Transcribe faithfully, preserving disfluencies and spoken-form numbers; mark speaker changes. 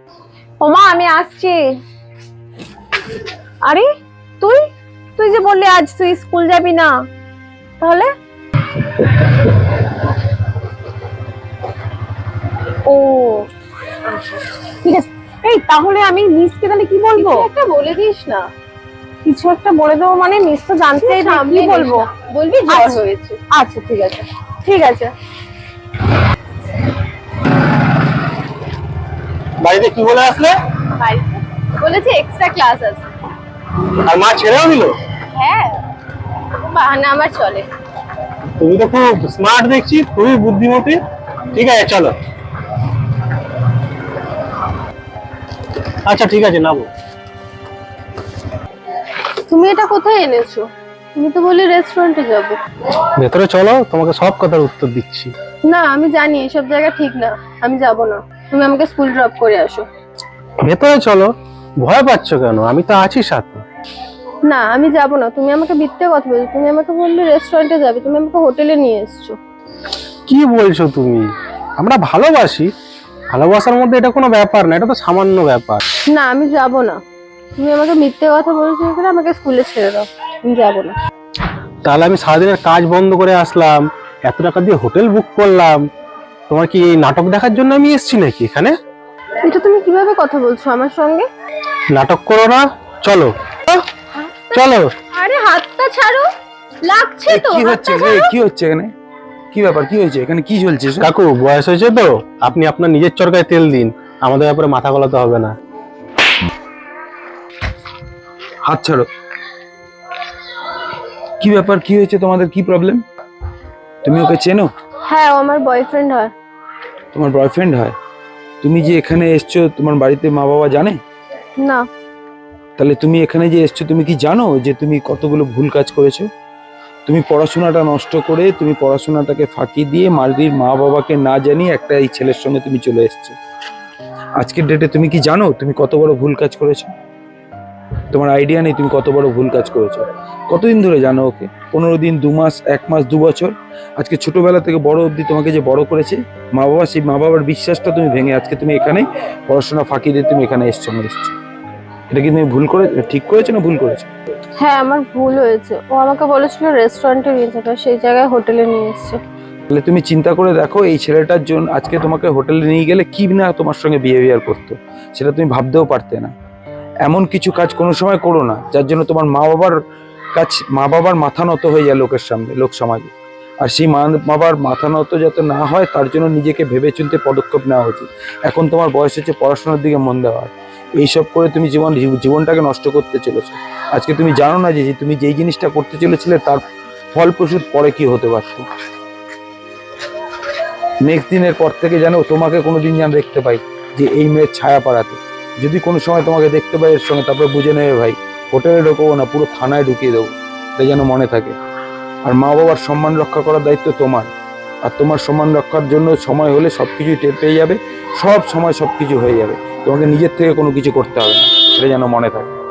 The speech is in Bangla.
Speaker 1: ওমা আমি আসছি। আরে তুই তুই যে বললি আজ তুই স্কুল যাবি না, তাহলে? ও ঠিক আছে। এই তাহলে আমি মিসকে তাহলে কি বলবো?
Speaker 2: একটা বলে দিস না।
Speaker 1: কিছু একটা বলে দেবো মানে মিস তো জানতেই না, কি বলবো?
Speaker 2: বলবি জ্বর হয়েছে।
Speaker 1: আচ্ছা ঠিক আছে ঠিক আছে।
Speaker 3: বাড়িতে কি বলে আসলে?
Speaker 2: বাড়িতে বলেছে এক্সট্রা ক্লাস আছে।
Speaker 3: আর মা ছেড়েও দিল?
Speaker 2: হ্যাঁ, বাহানা আমার চলে।
Speaker 3: তুমি তো খুব স্মার্ট দেখছি, খুবই বুদ্ধিমতী। ঠিক আছে চলো। আচ্ছা ঠিক আছে নামো।
Speaker 2: তুমি এটা কোথায় এনেছো? তুমি তো বললে রেস্টুরেন্টে যাবো।
Speaker 3: ভেতরে চলো, তোমাকে সব কথার উত্তর দিচ্ছি।
Speaker 2: না আমি জানি এসব জায়গা ঠিক না, আমি যাব না। তুমি আমাকে স্কুল ড্রপ করে আসো।
Speaker 3: ভেতরে চলো, ভয় পাচ্ছ কেন? আমি তো আছি সাথে।
Speaker 2: না আমি যাব না, তুমি আমাকে মিথ্যে কথা বলছো। তুমি আমাকে বললে রেস্টুরেন্টে যাবে, তুমি আমাকে হোটেলে নিয়ে এসছো।
Speaker 3: কি বলছো তুমি? আমরা ভালোবাসি, ভালোবাসার মধ্যে এটা কোনো ব্যাপার না, এটা তো সামান্য ব্যাপার।
Speaker 2: না আমি যাব না, তুমি আমাকে মিথ্যে কথা বলেছো, এখানে আমাকে স্কুলে ছেড়ে দাও, আমি যাব না।
Speaker 3: তাহলে আমি সারাদিনের কাজ বন্ধ করে আসলাম, এত টাকা দিয়ে হোটেল বুক করলাম, তোমার কি এই নাটক দেখার জন্য আমি এসেছি নাকি এখানে?
Speaker 2: এটা তুমি কিভাবে কথা বলছো আমার সঙ্গে?
Speaker 3: নাটক করো না, চলো চলো।
Speaker 2: আরে হাতটা ছাড়ো, লাগছে তো।
Speaker 4: কি হচ্ছে? কি হচ্ছে এখানে? কি ব্যাপার? কি হয়েছে এখানে? কি চলছে?
Speaker 3: কাকু বয়স হয়েছে তো, আপনি আপনার নিজের চরকায় তেল দিন, আমাদের ব্যাপারে মাথা গলাতে হবে না।
Speaker 4: হাত ছাড়ো। কি ব্যাপার? কি হয়েছে তোমাদের? কি প্রবলেম? তুমি ওকে চেনো?
Speaker 2: হ্যাঁ, ও আমার বয়ফ্রেন্ড হয়।
Speaker 4: তোমার বয়ফ্রেন্ড হয়? তুমি যে এখানে এসছো, তোমার বাড়িতে মা বাবা জানে?
Speaker 2: না।
Speaker 4: তাহলে তুমি এখানে যে এসছো, তুমি কি জানো যে তুমি কতগুলো ভুল কাজ করেছো? তুমি পড়াশোনাটা নষ্ট করে, তুমি পড়াশোনাটাকে ফাঁকি দিয়ে মারির মা বাবাকে না জানিয়ে একটা এই ছেলের সঙ্গে তুমি চলে এসছো। আজকের ডেটে তুমি কি জানো তুমি কত বড় ভুল কাজ করেছো? তোমার আইডিয়া নেই তুমি কত বড় ভুল কাজ করেছো। কতদিন ধরে জানো ওকে? পনেরো দিন, দু মাস, এক মাস, দু বছর? আজকে ছোটবেলা থেকে বড় অবধি তোমাকে যে বড় করেছে মা বাবা, সেই মা বাবার বিশ্বাসটা তুমি ভেঙে আজকে তুমি এখানে পড়াশোনা ফাঁকি দিয়ে তুমি এখানে এসছো আমার এসছো। এটা কি তুমি ভুল করে ঠিক করেছো না ভুল করেছো?
Speaker 2: হ্যাঁ আমার ভুল হয়েছে, ও আমাকে বলেছিল রেস্টুরেন্টে নিয়ে যাবে, সেই জায়গায় হোটেলে নিয়ে এসছে।
Speaker 4: তাহলে তুমি চিন্তা করে দেখো এই ছেলেটার জন্য আজকে তোমাকে হোটেলে নিয়ে গেলে কি না তোমার সঙ্গে বিহেভিয়ার করতো, সেটা তুমি ভাবতেও পারতে না। এমন কিছু কাজ কোনো সময় করো না যার জন্য তোমার মা বাবার কাছ মা বাবার মাথা নত হয়ে যায় লোকের সামনে, লোক সমাজে। আর সেই মা বাবার মাথা নত যাতে না হয় তার জন্য নিজেকে ভেবে চিন্তে পদক্ষেপ নেওয়া উচিত। এখন তোমার বয়স হচ্ছে পড়াশোনার দিকে মন দেওয়ার, এইসব করে তুমি জীবন জীবনটাকে নষ্ট করতে চলেছো। আজকে তুমি জানো না যে তুমি যেই জিনিসটা করতে চলেছিলে তার ফলপ্রসূ পরে কি হতে পারতো। নেক্সট দিনের পর থেকে জানো তোমাকে কোনোদিন যেন দেখতে পাই যে এই মেয়ের ছায়া পাড়াতে, যদি কোনো সময় তোমাকে দেখতে পাই এর সঙ্গে, তারপরে বুঝে নেবে ভাই হোটেলে ঢুকবো না, পুরো থানায় ঢুকিয়ে দেবো। এটা যেন মনে থাকে। আর মা বাবার সম্মান রক্ষা করার দায়িত্ব তোমার। আর তোমার সম্মান রক্ষার জন্য সময় হলে সব কিছুই টের পেয়ে যাবে, সব সময় সব কিছু হয়ে যাবে, তোমাকে নিজের থেকে কোনো কিছু করতে হবে না, এটা যেন মনে থাকে।